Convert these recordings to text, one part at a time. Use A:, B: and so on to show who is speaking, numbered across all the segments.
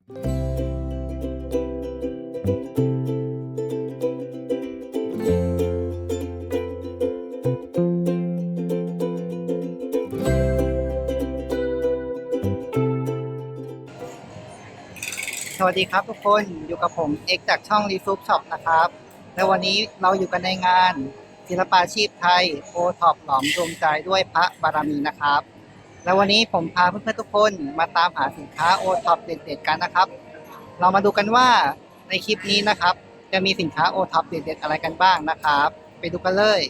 A: สวัสดีครับทุกคนอยู่กับผมเอกจากช่องรีซูปช็อปนะครับและวันนี้เราอยู่กันในงานศิลปาชีพไทยโอท็อปหลอมดวงใจด้วยพระบารมีนะครับและวันนี้ผมพาเพื่อนๆทุกคนมาตามหาสินค้าโอท็อปเด็ดๆกันนะครับเรามาดูกันว่าในคลิปนี้นะครับจะมีสินค้าโอท็อปเด็ดๆอะไรกันบ้างนะครับไปดูกันเลย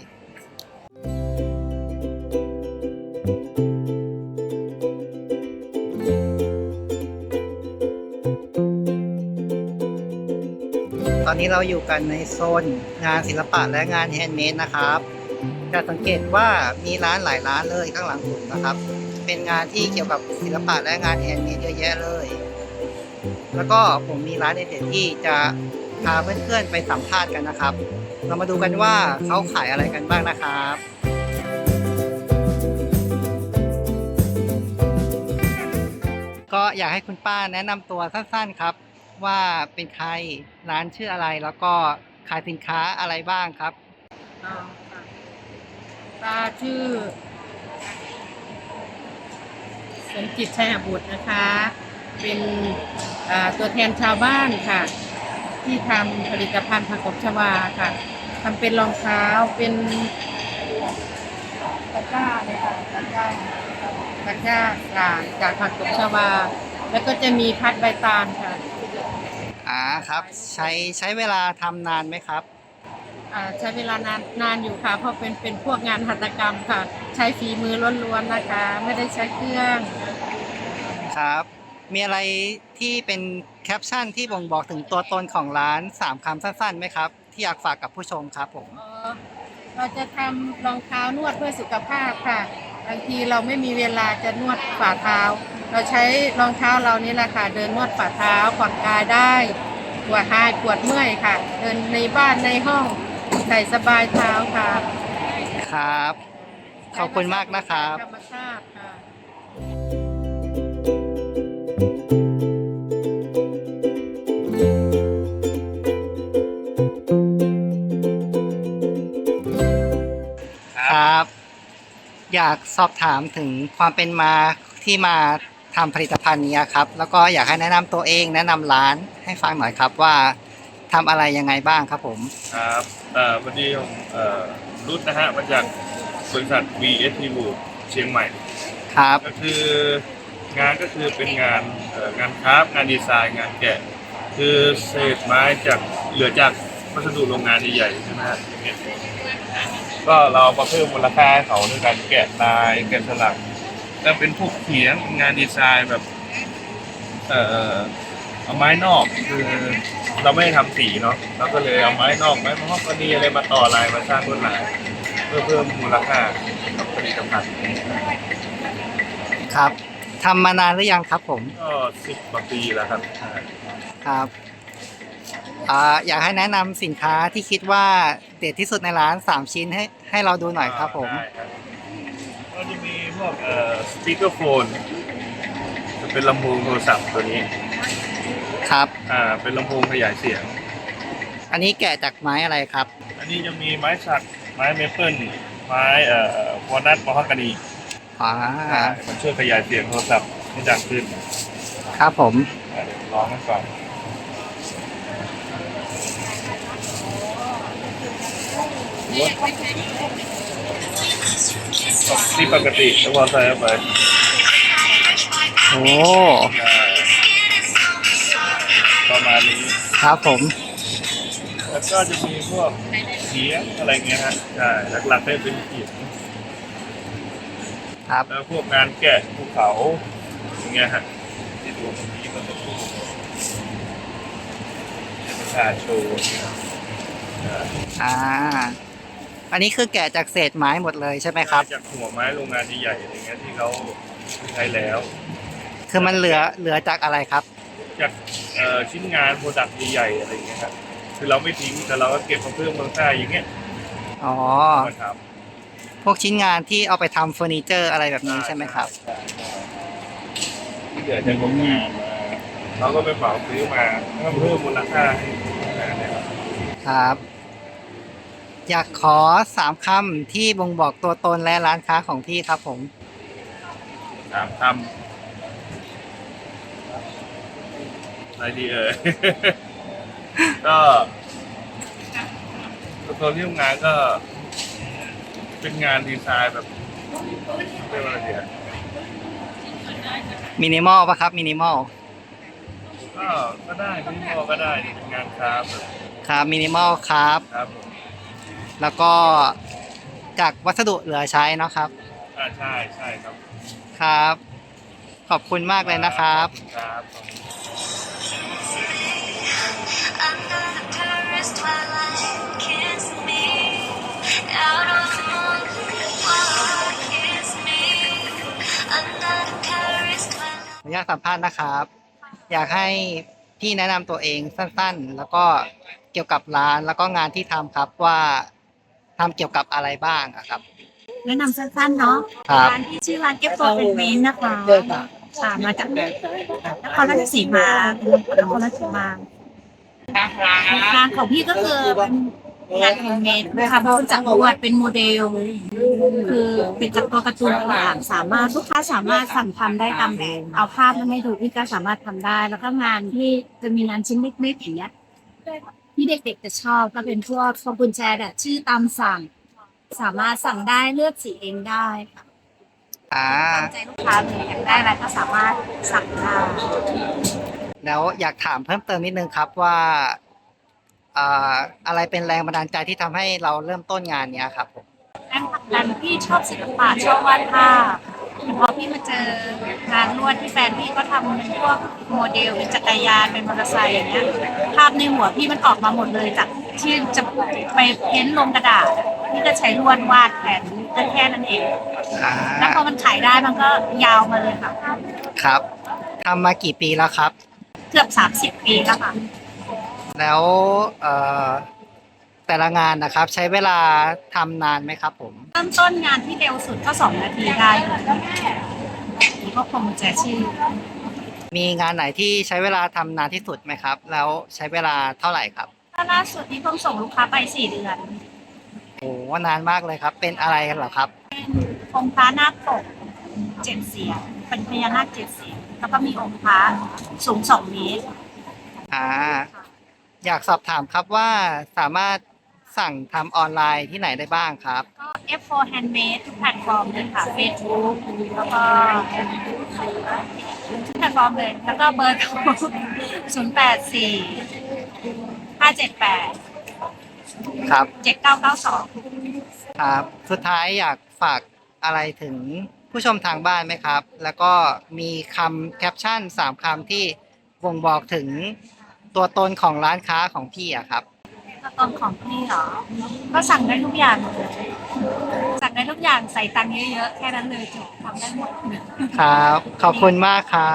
A: ตอนนี้เราอยู่กันในโซนงานศิลปะและงานแฮนด์เมดนะครับจะสังเกตว่ามีร้านหลายร้านเลยข้างหลังผมนะครับเป็นงานที่เกี่ยวกับศิลปะและงานแฮนด์เมดเยอะแยะเลยแล้วก็ผมมีร้านเด็ดๆที่จะพาเพื่อนๆไปสัมภาษณ์กันนะครับเรามาดูกันว่าเขาขายอะไรกันบ้างนะครับก็อยากให้คุณป้าแนะนำตัวสั้นๆครับว่าเป็นใครร้านชื่ออะไรแล้วก็ขายสินค้าอะไรบ้างครับ
B: อ๋อค่ะป้าชื่อสมจิตชัยบุตรนะคะ เป็นตัวแทนชาวบ้านค่ะ ที่ทำผลิตภัณฑ์ผักตบชวาค่ะทำเป็นรองเท้าเป็นตะกร้าเลยค่ะตะกร้าจากผักตบชวาแล้วก็จะมีพัดใบตาลค่ะ
A: ครับใช้เวลาทำนานไหมครับ
B: ใช้เวลนานอยู่ค่ะเพราะเป็นพวกงานหัตถกรรมค่ะใช้ฝีมือล้วนๆนะคะไม่ได้ใช้เครื่อง
A: ครับมีอะไรที่เป็นแคปชั่นที่บ่งบอกถึงตัวตนของร้าน3 คำสั้นๆไหมครับที่อยากฝากกับผู้ชมครับผม
B: เราจะทำรองเท้านวดเพื่อสุขภาพค่ะบางทีเราไม่มีเวลาจะนวดฝ่าเท้าเราใช้รองเท้าเรานี่แหละค่ะเดินนวดฝ่าเท้าผ่อนคลายได้ปวดหายปวดเมื่อยค่ะเดินในบ้านในห้องใส่สบายเท้าค่ะ
A: ครับขอบคุณมากนะครับ
B: ธรรมชาติค่ะ
A: ครับอยากสอบถามถึงความเป็นมาที่มาทำผลิตภัณฑ์นี้ครับแล้วก็อยากให้แนะนำตัวเองแนะนำร้านให้ฟังหน่อยครับว่าทำอะไรยังไงบ้างครับผม
C: ครับวันนี้ผมรุ่นนะฮะมาจากบริษัท VST Group เชียงใหม่
A: ครับ
C: ก็คืองานก็คือเป็นงานคราฟต์งานดีไซน์งานแกะคือเศษไม้จากเหลือจากวัสดุโรงงานใหญ่ๆใช่ไหมฮะอย่างเงี้ยก็เรามาเพิ่มมูลค่าให้เขาด้วยการแกะลายแกะสลักแล้วเป็นพวกเขียงงานดีไซน์แบบเอาไม้นอกคือเราไม่ได้ทำสีเนาะเราก็เลยเอาไม้นอกไม้มะฮอกกานีอะไรมาต่อลายมาสร้างลวดลายเพื่อเพิ่มมูลค่ากับผลิตภัณฑ์
A: ครับทำมานานหรือยังครับผม
C: ก็10 กว่าปีแล้วครับ
A: ครับอยากให้แนะนำสินค้าที่คิดว่าเด็ดที่สุดในร้าน3 ชิ้นให้เราดูหน่อยครับผม
C: ก็จะมีพวกสปีกเกอร์โฟนจะเป็นลำโพงโทรศัพท์ตัวนี้
A: ครับ
C: เป็นลำโพงขยายเสียง
A: อันนี้แกะจากไม้อะไรครับ
C: อันนี้จะมีไม้สักไม้เมเปิลไม้วอลนัทมะฮอกกานีมันช่วยขยายเสียงโทรศัพท์ให้ดังขึ้น
A: ครับผม
C: เดี๋ยวร้องกันก่อนที่ปกติแล้วพอใส่เข้าไป
A: โอ้
C: ประมาณนี้
A: ครับผม
C: แล้วก็จะมีพวกเขียงอะไรเงี้ยฮะใช่หลักๆให้เป็นเขียง
A: ครับ
C: แล้วพวกงานแกะภูเขาอย่างเงี้ยฮะที่ดูตรงนี้มันจะดูเป็นชาโชว์
A: อันนี้คือแกะจากเศษไม้หมดเลยใช่ไหมครับ
C: จากหัวไม้โรงงานใหญ่ๆอะไรเงี้ยที่เขาใช้แล้ว
A: คือมันเหลือจากอะไรครับ
C: จากชิ้นงานโปรดักต์ใหญ่ๆอะไรเงี้ยครับคือเราไม่ทิ้งแต่เราก็เก็บมาเพิ่มมูลค่าอย่างเงี้ย
A: อ๋อพวกชิ้นงานที่เอาไปทำเฟอร์นิเจอร์อะไรแบบนี้ใช่ไหมครับ
C: ที่เหลือจากโรงงานมเราก็ไปเหมาซื้อมาเพิ่มมูลค่าให้งานเนี่ยครับ
A: ครับ อยากขอ3 คำที่บ่งบอกตัวตนและร้านค้าของพี่ครับผม
C: 3 คำอะไรดีก็ตัวที่ทำงานก็เป็นงานดีไซน์แบบเรียกว่าอะไรดีอะ
A: มินิมอลป่ะครับมินิมอล
C: ก็ได้มินิมอลก็ได้เป็นงานคราฟต์แบบ
A: ครับมินิมอลครับ
C: ครับผม
A: แล้วก็จากวัสดุเหลือใช้เนาะครับ
C: ใช่ใช่ครับ
A: ครับ ขอบคุณมากเลยนะครับ
C: ครับ
D: Under the Paris twilight, kiss me. Out on the moon, kiss me. Under the Paris
A: ขอ
D: twilight.
A: อนุญาตสัมภาษณ์นะครับ อยากให้พี่แนะนำตัวเองสั้นๆ แล้วก็เกี่ยวกับร้านแล้วก็งานที่ทำครับว่าทำเกี่ยวกับอะไรบ้างอะครับ
E: แนะนำสั้นๆเนาะ
A: ครับ
E: ร้านที่ชื่อร้านเก็บโฟเป็นเวนนะคะค่ะมาจากนครราชสีมานครราชสีมาร้านของพี่ก็คือเป็นงานแฮนด์เมดนะคะเป็นจากลวดเป็นโมเดล คือเป็นจากตัวการ์ตูนต่างๆสามารถลูกค้าสามารถสั่งทำได้ตามแบบเอาภาพมาให้ดูพี่ก็สามารถทำได้ แล้วก็งานที่จะมีงานชิ้นเล็กๆอย่างเงี้ยที่เด็กๆจะชอบก็เป็นพวกพวงกุญแจแบบชื่อตามสั่ง สามารถสั่งได้เลือกสีเองได้ค่ะ
A: อ่า
E: ตามใจลูกค้าเลยอยากได้อะไรก็สามารถสั่งได้
A: แล้วอยากถามเพิ่มเติมนิดนึงครับว่าอะไรเป็นแรงบันดาลใจที่ทำให้เราเริ่มต้นงานเนี้ยครับผม
E: แรงผลักดันพี่ชอบศิลปะชอบวาดภาพพอพี่มาเจองานลวดที่แฟนพี่ก็ทำเป็นพวกโมเดลเป็นจักรยานเป็นมอเตอร์ไซค์อย่างเงี้ยภาพในหัวพี่มันออกมาหมดเลยจากที่จะไปเพ้นท์ลงกระดาษพี่ก็ใช้ลวดวาดแผนแค่นั้นเอง
A: อ่า
E: แล้วพอมันขายได้มันก็ยาวมาเลยค่ะ
A: ครับทำมากี่ปีแล้วครับ
E: เกือบ30 ปีแล้วค่ะ
A: แล้วแต่ละงานนะครับ ใช้เวลาทำนานไหมครับผม
E: เริ่มต้นงานที่เร็วสุดก็2 นาทีได้นี่ก็คงจะชื่อ
A: มีงานไหนที่ใช้เวลาทำนานที่สุดไหมครับ แล้วใช้เวลาเท่าไหร่ครับ
E: ถ้าล่าสุดที่เพิ่งส่งลูกค้าไป4 เดือน
A: โอ้นานมากเลยครับ เป็นอะไรกันเหรอครับ
E: องค์พระนาคปก7 เสียนเป็นพญานาค7 เสียนแล้วก็มีองค์พระสูง2 เมตร
A: อ่า อยากสอบถามครับว่าสามารถสั่งทำออนไลน์ที่ไหนได้บ้างครับ
E: ก็ F4 Handmade ทุกแพลตฟอร์มเลยค่ะ Facebook แล้วก็ทุกแพลตฟอร์มเลย แล้วก็เบอร์โทร084 578
A: ครับ
E: 7992
A: ครับ สุดท้ายอยากฝากอะไรถึงผู้ชมทางบ้านไหมครับ แล้วก็มีคำแคปชั่น3 คำที่บ่งบอกถึงตัวตนของร้านค้าของพี่อะครับ
E: ตัวตนของพี่เหรอ ก็สั่งได้ทุกอย่างเลยสั่งได้ทุกอย่างใส่ตังค์เยอะๆ แค่นั้นเลยจบทำได้หมด
A: ครับ ขอบคุณมากครับ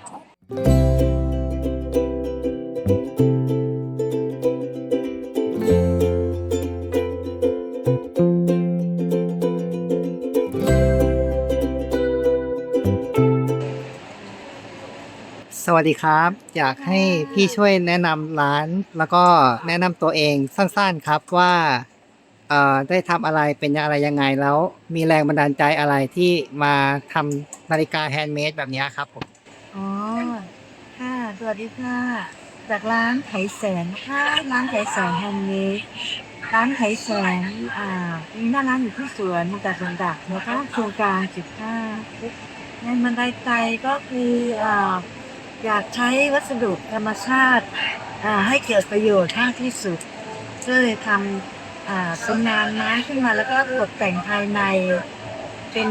A: สวัสดีครับ อยากให้พี่ช่วยแนะนำร้าน แล้วก็แนะนำตัวเองสั้นๆครับว่าได้ทำอะไรเป็นอะไรยังไงแล้ว มีแรงบันดาลใจอะไรที่มาทำนาฬิกาแฮนด์เมดแบบนี้ครับผม
F: อ๋อ ค่ะ สวัสดีค่ะ จากร้านไถแสงนะคะร้านไถแสงแฮนด์เมดร้านไถแสงมีหน้าร้านอยู่ที่สวนจากสวนดักนะคะโครงการ15งานบันไดใจก็คืออยากใช้วัสดุธรรมชาติให้เกิดประโยชน์มากที่สุดก็เลยทำเป็นงานไม้ขึ้นมาแล้วก็ตกแต่งภายในเป็น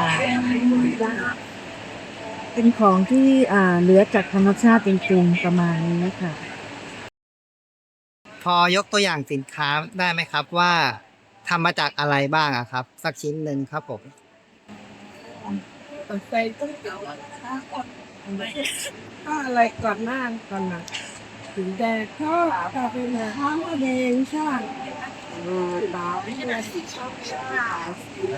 F: เป็นของที่เหลือจากธรรมชาติจริงๆประมาณนี้ค่ะ
A: พอยกตัวอย่างสินค้าได้ไหมครับว่าทำมาจากอะไรบ้างอะครับ สักชิ้นหนึ่งครับผม
F: ก็อะไรก่อนหน้าก่อนนะถึงแดดก็เป็นห้องแดงใช่ดาวนี่นะสีชอบ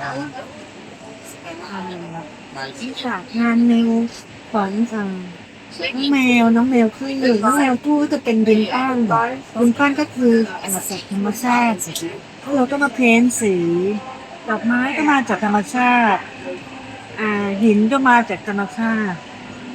F: อีกฉากงานหนึ่งของน้องแมวขึ้นอยู่น้องแมวคู่ก็จะเป็นดินก้อนดินก้อนก็คือจากธรรมชาติแล้วเราก็มาเพ้นสีดอกไม้ก็มาจากธรรมชาติหินก็มาจากธรรมชาติ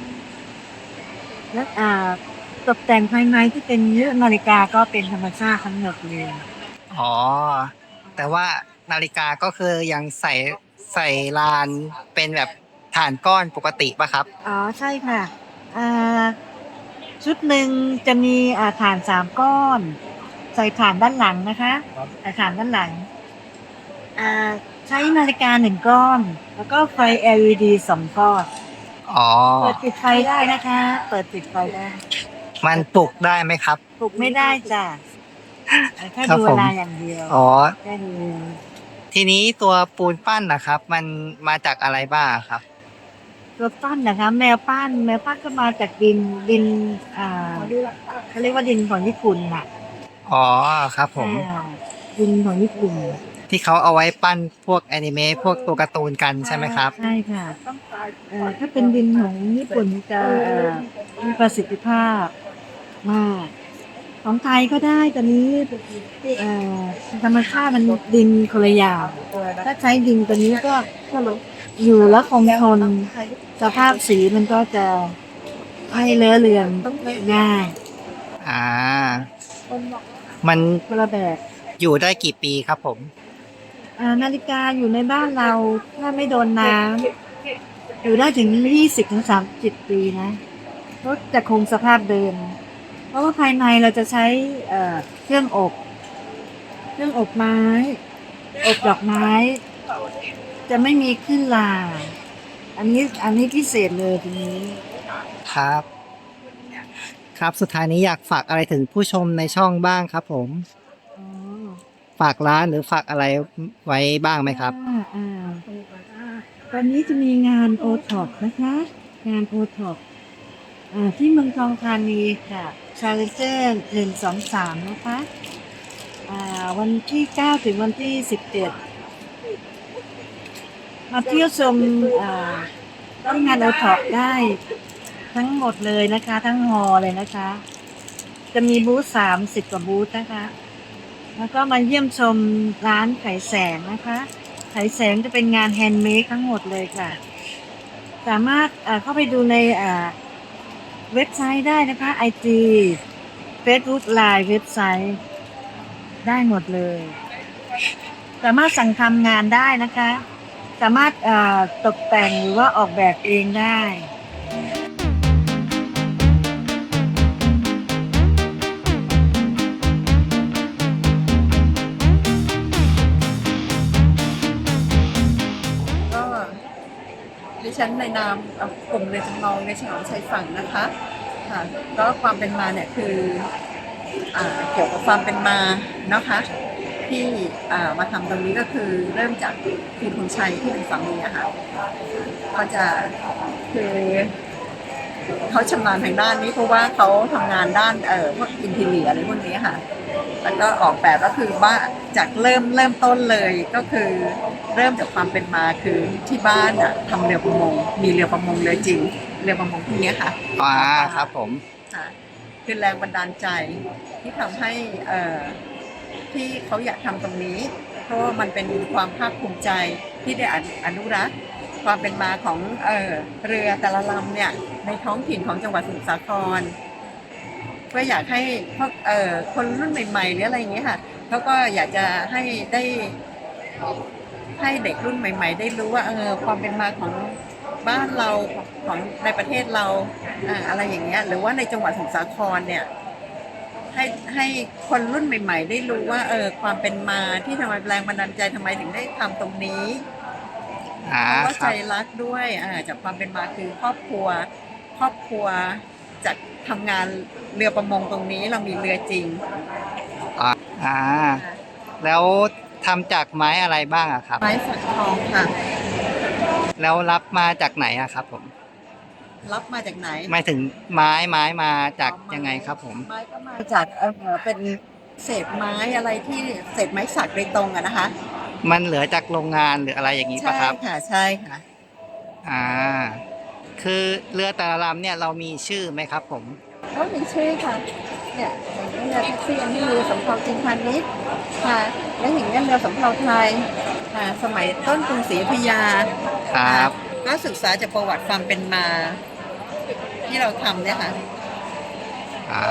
F: และตกแต่งภายในที่เป็นเรื่องนาฬิกาก็เป็นธรรมชาติทั้งหมดเลย
A: อ๋อ แต่ว่านาฬิกาก็คือยังใส่ลานเป็นแบบฐานก้อนปกติป่ะครับ
F: อ๋อใช่ค่ะอ่าชุดหนึ่งจะมีฐาน3 ก้อน ใส่ฐานด้านหลังนะคะใส่ฐานด้านหลังใช้นาฬิกา1 ก้อน แล้วก็ไฟ LED 2 ก้อน
A: อ๋อ
F: เปิดปิดไฟได้นะคะ เปิดปิดไฟได้
A: มันปลุกได้ไหมครับ
F: ปลุกไม่ได้จ้ะแค่
A: ครับ
F: ดู
A: ผ
F: เว
A: ม
F: ลาอย่างเดียว
A: อ๋อ
F: แค่ดู
A: ทีนี้ตัวปูนปั้นนะครับ มันมาจากอะไรบ้างครับ
F: ตัวปั้นนะคะแมวปั้นก็มาจากดินเขาเรียกว่าดินของญี่ปุ่นน่ะ
A: อ๋อ ครับผม
F: ดินของญี่ปุ่น
A: ที่เขาเอาไว้ปั้นพวกแอนิเมะพวกตัวการ์ตูนกันใช่ไหมครับ
F: ใช่ค่ะถ้าเป็นดินของญี่ปุ่นจะมีประสิทธิภาพมากของไทยก็ได้ตอนนี้ธรรมชาติมันดินคนละอย่างถ้าใช้ดินตัวนี้ก็อยู่แล้วคงทนสภาพสีมันก็จะให้เลอะเลือนง่าย
A: อ่า มัน
F: คนละแบบ
A: อยู่ได้กี่ปีครับผม
F: นาฬิกาอยู่ในบ้านเราถ้าไม่โดนน้ำอยู่ได้ถึง20-30 ปีนะก็จะคงสภาพเดิม เพราะว่าภายในเราจะใช้เครื่องอบไม้อบดอกไม้ จะไม่มีขึ้นลาอันนี้พิเศษเลยทีนี้
A: ครับ ครับสุดท้ายนี้อยากฝากอะไรถึงผู้ชมในช่องบ้างครับผม
F: อ๋อ
A: ฝากร้านหรือฝากอะไรไว้บ้างไหมครับ
F: ตอนนี้จะมีงานโอท็อปนะคะ งานโอท็อปที่เมืองทองธานีค่ะชาเลนเจอร์1-2-3นะคะวันที่9ถึงวันที่17มาเที่ยวชมที่งานโอท็อปได้ทั้งหมดเลยนะคะ ทั้งฮอลล์เลยนะคะ จะมีบูธ30 กว่าบูธนะคะ แล้วก็มาเยี่ยมชมร้านไขแสงนะคะไขแสงจะเป็นงานแฮนด์เมดทั้งหมดเลยค่ะ สามารถเข้าไปดูในเว็บไซต์ได้นะคะ IG Facebook Line เว็บไซต์ได้หมดเลย สามารถสั่งทำงานได้นะคะ สามารถตกแต่งหรือว่าออกแบบเองได้
B: ก็ดิฉันในนามกลุ่มเรือจำลองในฉลองชายฝั่งนะคะค่ะก็ความเป็นมาเนี่ยคือเกี่ยวกับความเป็นมานะคะที่มาทำตรงนี้ก็คือเริ่มจากคุณชัยที่เป็นสามีอะค่ะก็จะคือเขาชำนาญทางด้านนี้เพราะว่าเขาทำงานด้านพวกอินทีเรียอะไรพวกนี้ค่ะแล้วก็ออกแบบก็คือว่าจากเริ่มต้นเลยก็คือเริ่มจากความเป็นมาคือที่บ้านทำเรือประมงมีเรือประมงเรือจริงเรือประมงพวกนี้ค่ะ
A: ครับผม
B: ค่ะคือแรงบันดาลใจที่ทำให้ที่เขาอยากทำตรงนี้ เพราะว่ามันเป็นความภาคภูมิใจที่ได้อนุรักษ์ความเป็นมาของเรือแต่ละลำเนี่ยในท้องถิ่นของจังหวัดสมุทรสาครก็อยากให้พวกคนรุ่นใหม่ๆหรืออะไรอย่างเงี้ยค่ะเขาก็อยากจะให้ได้ให้เด็กรุ่นใหม่ ๆ ได้รู้ว่าความเป็นมาของบ้านเราของในประเทศเราอะไรอย่างเงี้ยหรือว่าในจังหวัดสมุทรสาครเนี่ยให้คนรุ่นใหม่ ๆ ได้รู้ว่าความเป็นมาที่ทำไมแรงบันดาลใจทำไมถึงได้ทำตรงนี้เพราะว่าใจรักด้วยจากความเป็นมาคือครอบครัวจากทำงานเรือประมงตรงนี้เรามีเรือจริง
A: แล้วทำจากไม้อะไรบ้างอะครับ
B: ไม้สักทองค่ะ
A: แล้วรับมาจากไหนอะครับผม
B: รับมาจากไหน
A: หมายถึงไม้มาจากยังไงครับผม
B: ไม้ก็มาจากเป็นเศษไม้อะไรที่เศษไม้สักโดยตรงอะนะคะ
A: มันเหลือจากโรงงานหรืออะไรอย่างนี้
B: ใช่
A: ปะครับ
B: ค่ะใช่ค่ะ
A: อ่าคือเรือแต่ละลำเนี่ยเรามีชื่อไหมครับผม
B: ก็มีชื่อค่ะเนี่ยอย่างนี้เรือแท็กซี่อันนี้เรือสำเภาจีนพาณิชย์ค่ะแล้วอย่างนี้เรือสำเภาไทยสมัยต้นกรุงศรีอยุธยา
A: ครับ
B: ก็ศึกษาจากประวัติความเป็นมาที่เราทำเนี่ยค่ะ
A: อ่า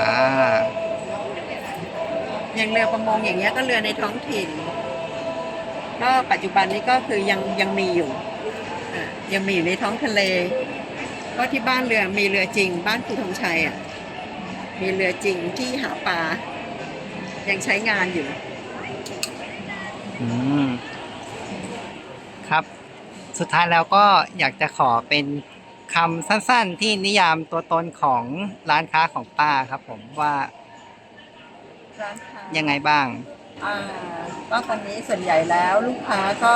B: อย่างเรือประมงอย่างเงี้ยก็เรือในท้องถิ่น ก็ปัจจุบันนี้ก็คือยังมีอยู่ยังมีอยู่ในท้องทะเลก็ที่บ้านเรือมีเรือจริง บ้านครูธงชัยมีเรือจริงที่หาปลายังใช้งานอยู่
A: อืม ครับ สุดท้ายแล้วก็อยากจะขอเป็นคำสั้นๆที่นิยามตัวตนของร้านค้าของป้าครับผมว่า
B: ร้านค้า
A: ยังไงบ้าง
B: ก็ตอนนี้ส่วนใหญ่แล้วลูกค้าก็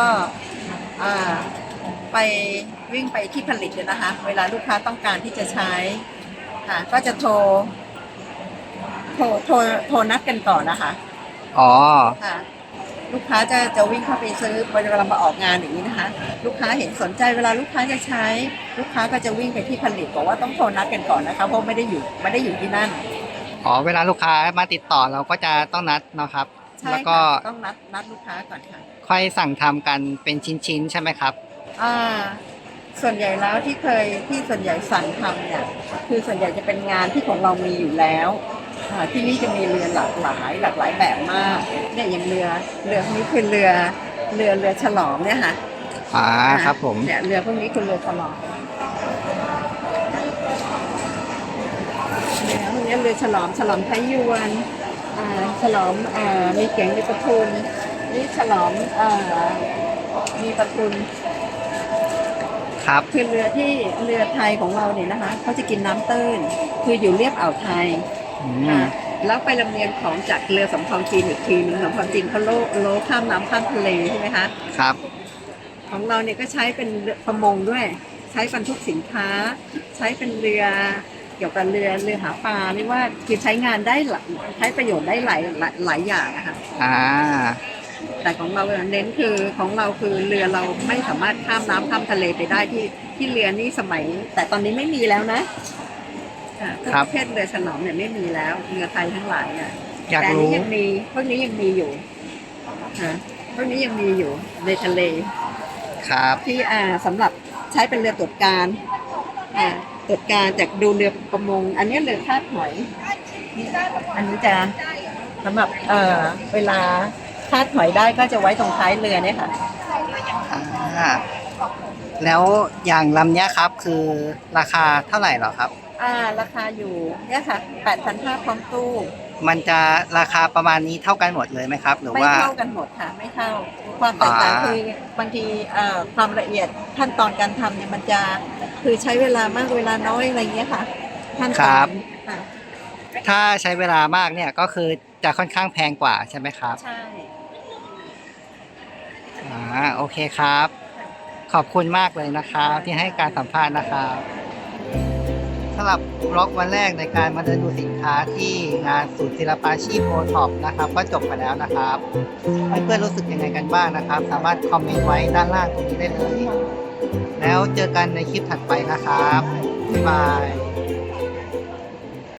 B: ไปวิ่งไปที่ผลิตเลยนะคะ เวลาลูกค้าต้องการที่จะใช้ก็จะโทรนัดกันก่อนนะคะ
A: อ๋อ
B: ค่ะลูกค้าจะวิ่งเข้าไปซื้อเวลามาออกงานอย่างนี้นะคะ ลูกค้าเห็นสนใจเวลาลูกค้าจะใช้ ลูกค้าก็จะวิ่งไปที่ผลิตบอกว่าต้องโทรนัดกันก่อนนะคะเพราะไม่ได้อยู่ที่นั่น
A: อ๋อ เวลาลูกค้ามาติดต่อเราก็จะต้องนัดเนาะครับ
B: ใช่
A: แล้วก็
B: ค่ะต้องนัดลูกค้าก่อนค่ะ
A: ค่อยสั่งทำกันเป็นชิ้นๆใช่ไหมครับ
B: ส่วนใหญ่แล้วที่ส่วนใหญ่สั่งทำเนี่ยคือส่วนใหญ่จะเป็นงานที่ของเรามีอยู่แล้วที่นี่จะมีเรือหลากหลายแบบมากเนี่ยอย่างเรือพวกนี้คือเรือฉลองเนี่ยค่ะ
A: ครับผม
B: เนี่ยเรือพวกนี้คือเรือฉลองเรือพวกนี้เรือฉลองไทยยวนฉลองมีเก๋งมีประทุนนี่ฉลองมีประทุน
A: ครับ
B: คือเรือไทยของเราเนี่ยนะคะเขาจะกินน้ำตื้นคืออยู่เรียบอ่าวไทย
A: อืม
B: แล้วไปลำเลียงของจากเรือสำเภาจีนอีกทีนึงสำเภาจีนเขาโลข้ามน้ำข้ามทะเลใช่ไหมคะ
A: ครับ
B: ของเราเนี่ยก็ใช้เป็นเรือประมงด้วย ใช้บรรทุกสินค้า ใช้เป็นเรือเกี่ยวกับเรือหาปลาเรียกว่าคือใช้งานได้ใช้ประโยชน์ได้หลายอย่างนะคะ แต่ของเราเน้นคือของเราคือเรือเราไม่สามารถข้ามน้ำข้ามทะเลไปได้ที่เรือนี่สมัย แต่ตอนนี้ไม่มีแล้วนะประเภทเรือฉลองเนี่ยไม่มีแล้วเรือไทยทั้งหลาย
A: อยาก
B: แต่
A: รู้
B: นี้ยังมีพวกนี้ยังมีอยู่พวกนี้ยังมีอยู่ในทะเล
A: ครับ
B: ที่สำหรับใช้เป็นเรือตรวจการตรวจการจากดูเรือประมงอันนี้เรือคาดหอยอันนี้จะสำหรับเวลาคาดหอยได้ก็จะไว้ตรงท้ายเรือเนี่ยค่ะ
A: แล้วอย่างลำเนี้ยครับคือราคาเท่าไหร่เหรอครับ
B: ราคาอยู่เนี่ยค่ะ 8,500 พร้อมตู้
A: มันจะราคาประมาณนี้เท่ากันหมดเลยไหมครับ หรือ
B: ไม่
A: ว่า
B: เท่ากันหมดค่ะไม่เท่าความแตกต่างคือบางทีความละเอียดขั้นตอนการทำเนี่ยมันจะคือใช้เวลามากเวลาน้อยอะไรเงี้ยค่ะขั้นตอนค่ะ
A: ถ้าใช้เวลามากเนี่ยก็คือจะค่อนข้างแพงกว่าใช่ไหมครับ
B: ใช่
A: โอเคครับ ขอบคุณมากเลยนะครับที่ให้การสัมภาษณ์นะครับสำหรับบล็อกวันแรกในการมาเดินดูสินค้าที่งานศูนย์ศิลปาชีพโอท็อปนะครับก็จบไปแล้วนะครับเพื่อนๆรู้สึกยังไงกันบ้างนะครับ สามารถคอมเมนต์ไว้ด้านล่างตรงนี้ได้เลย แล้วเจอกันในคลิปถัดไปนะครับบ๊ายบาย